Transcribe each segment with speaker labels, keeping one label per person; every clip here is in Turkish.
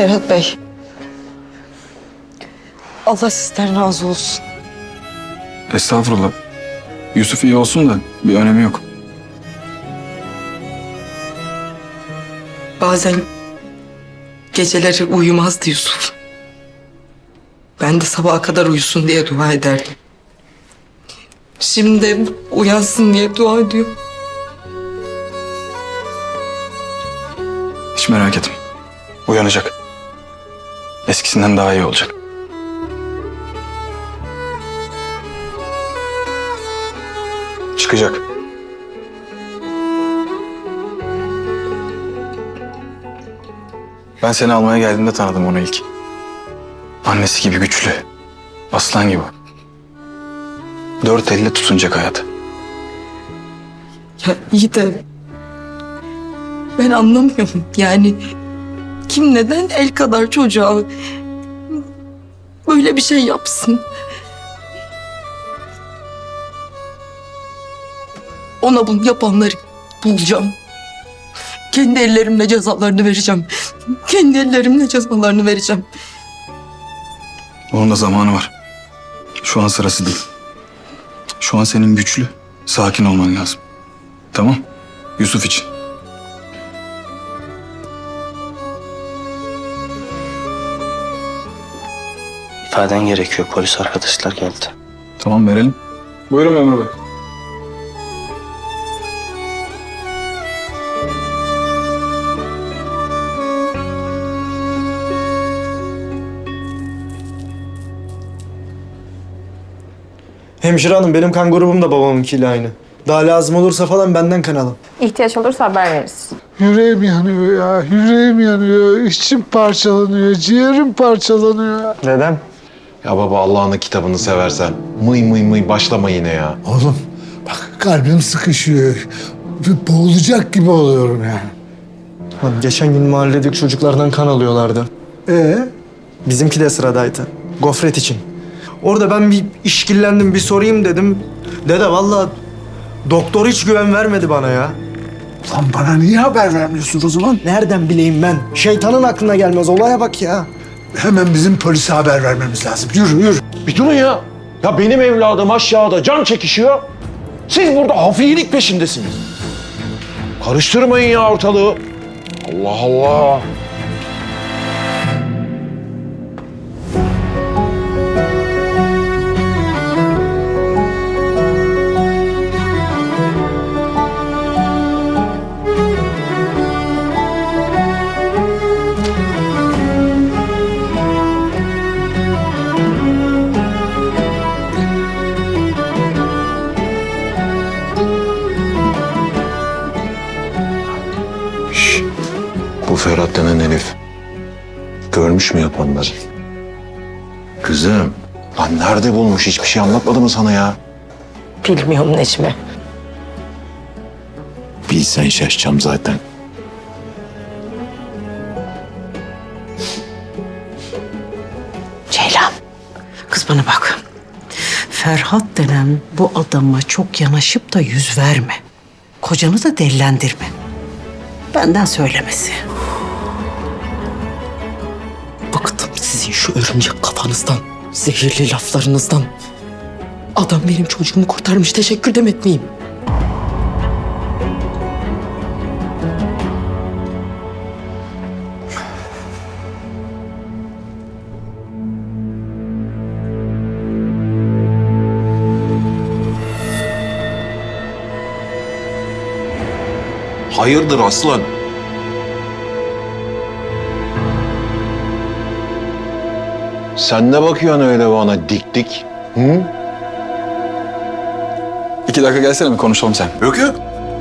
Speaker 1: Ferhat Bey. Allah sizden razı olsun.
Speaker 2: Estağfurullah. Yusuf iyi olsun da bir önemi yok.
Speaker 1: Bazen geceleri uyumazdı Yusuf. Ben de sabaha kadar uyusun diye dua ederdim. Şimdi de uyansın diye dua ediyor.
Speaker 2: Hiç merak etme. Uyanacak. Eskisinden daha iyi olacak. Çıkacak. Ben seni almaya geldiğimde tanıdım onu ilk. Annesi gibi güçlü. Aslan gibi. Dört elle tutunacak hayatı.
Speaker 1: Ya iyi de ben anlamıyorum. Yani kim neden el kadar çocuğa böyle bir şey yapsın? Ona bunu yapanları bulacağım. Kendi ellerimle cezalarını vereceğim. Kendi ellerimle cezalarını vereceğim.
Speaker 2: Onun da zamanı var. Şu an sırası değil. Şu an senin güçlü, sakin olman lazım. Tamam? Yusuf için.
Speaker 3: İfaden gerekiyor. Polis arkadaşlar geldi.
Speaker 2: Tamam verelim. Buyurun memur bey.
Speaker 4: Hemşire hanım benim kan grubum da babamınkiyle aynı. Daha lazım olursa falan benden kan alın.
Speaker 5: İhtiyaç olursa haber veririz.
Speaker 6: Yüreğim yanıyor ya, yüreğim yanıyor, içim parçalanıyor, ciğerim parçalanıyor.
Speaker 4: Neden?
Speaker 7: Ya baba Allah'ın kitabını seversen mıy mıy mıy başlama yine ya.
Speaker 6: Oğlum bak kalbim sıkışıyor. Boğulacak gibi oluyorum yani.
Speaker 4: Lan geçen gün mahalledeki çocuklardan kan alıyorlardı. Bizimki de sıradaydı. Gofret için. Orada ben bir işkillendim, bir sorayım dedim. Dede vallahi doktor hiç güven vermedi bana ya.
Speaker 6: Lan bana niye haber vermiyorsun o zaman?
Speaker 4: Nereden bileyim ben? Şeytanın aklına gelmez. Olaya bak ya.
Speaker 6: Hemen bizim polise haber vermemiz lazım. Yürü yürü.
Speaker 7: Bir durun ya. Ya benim evladım aşağıda can çekişiyor. Siz burada hafiyelik peşindesiniz. Karıştırmayın ya ortalığı. Allah Allah. Bu Ferhat denen herif görmüş mü yapanları? Kızım, lan nerede bulmuş? Hiçbir şey anlatmadı mı sana ya?
Speaker 1: Bilmiyorum Necmi.
Speaker 7: Bilsen şaşacağım zaten.
Speaker 8: Ceylan, kız bana bak. Ferhat denen bu adama çok yanaşıp da yüz verme. Kocanı da delilendirme. Benden söylemesi.
Speaker 1: Bıktım sizin şu örümcek kafanızdan, zehirli laflarınızdan. Adam benim çocuğumu kurtarmış, teşekkür de etmeyeyim.
Speaker 7: Hayırdır aslan? Sen ne bakıyorsun öyle bana dik dik? Hı?
Speaker 2: 2 dakika gelsene bir konuşalım sen.
Speaker 7: Yok yok.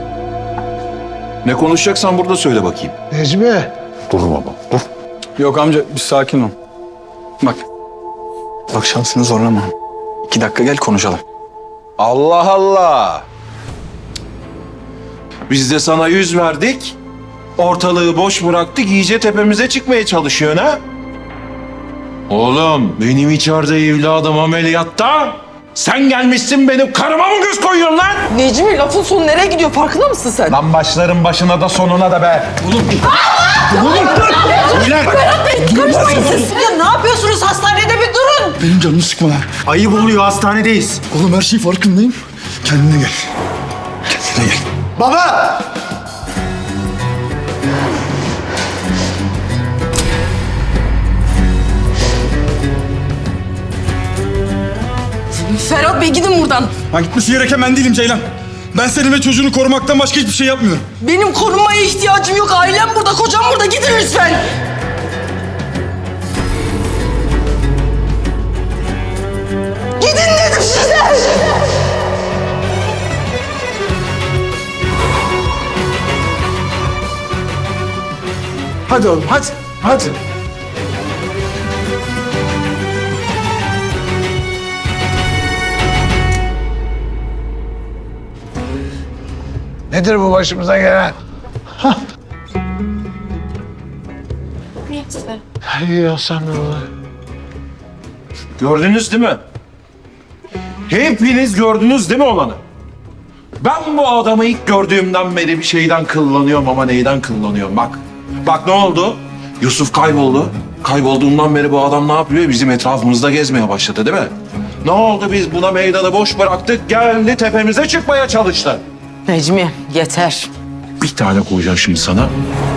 Speaker 7: Ne konuşacaksan burada söyle bakayım.
Speaker 6: Necmi.
Speaker 7: Dur baba, dur.
Speaker 2: Yok amca bir sakin ol. Bak. Bak şansını zorlama. 2 dakika gel konuşalım.
Speaker 7: Allah Allah. Biz de sana yüz verdik. Ortalığı boş bıraktık. İyice tepemize çıkmaya çalışıyorsun ha? Oğlum benim içeride evladım ameliyatta. Sen gelmişsin benim karıma mı göz koyuyorsun lan?
Speaker 1: Necmi lafın sonu nereye gidiyor farkında mısın sen?
Speaker 7: Lan başların başına da sonuna da be.
Speaker 8: Karışmayın siz. Ya ne yapıyorsunuz? Hastanede bir durun.
Speaker 2: Benim canımı sıkma lan.
Speaker 4: Ayıp oluyor, hastanedeyiz.
Speaker 2: Oğlum her şeyin farkındayım. Kendine gel. Kendine gel.
Speaker 4: Baba!
Speaker 1: Ferhat Bey gidin buradan.
Speaker 2: Ben gitmesi gereken ben değilim Ceylan. Ben seni ve çocuğunu korumaktan başka hiçbir şey yapmıyorum.
Speaker 1: Benim korunmaya ihtiyacım yok. Ailem burada, kocam burada. Gidin lütfen. Gidin dedim size.
Speaker 6: Hadi oğlum hadi. Hadi. Nedir bu başımıza gelen? Ya sen ne olur?
Speaker 7: Gördünüz değil mi? Hepiniz gördünüz değil mi olanı? Ben bu adamı ilk gördüğümden beri bir şeyden kıllanıyorum ama neyden kıllanıyorum bak. Bak ne oldu? Yusuf kayboldu. Kaybolduğundan beri bu adam ne yapıyor? Bizim etrafımızda gezmeye başladı değil mi? Ne oldu biz buna meydanı boş bıraktık geldi tepemize çıkmaya çalıştı.
Speaker 1: Necmi yeter.
Speaker 7: Bir tane koyacağım şimdi sana.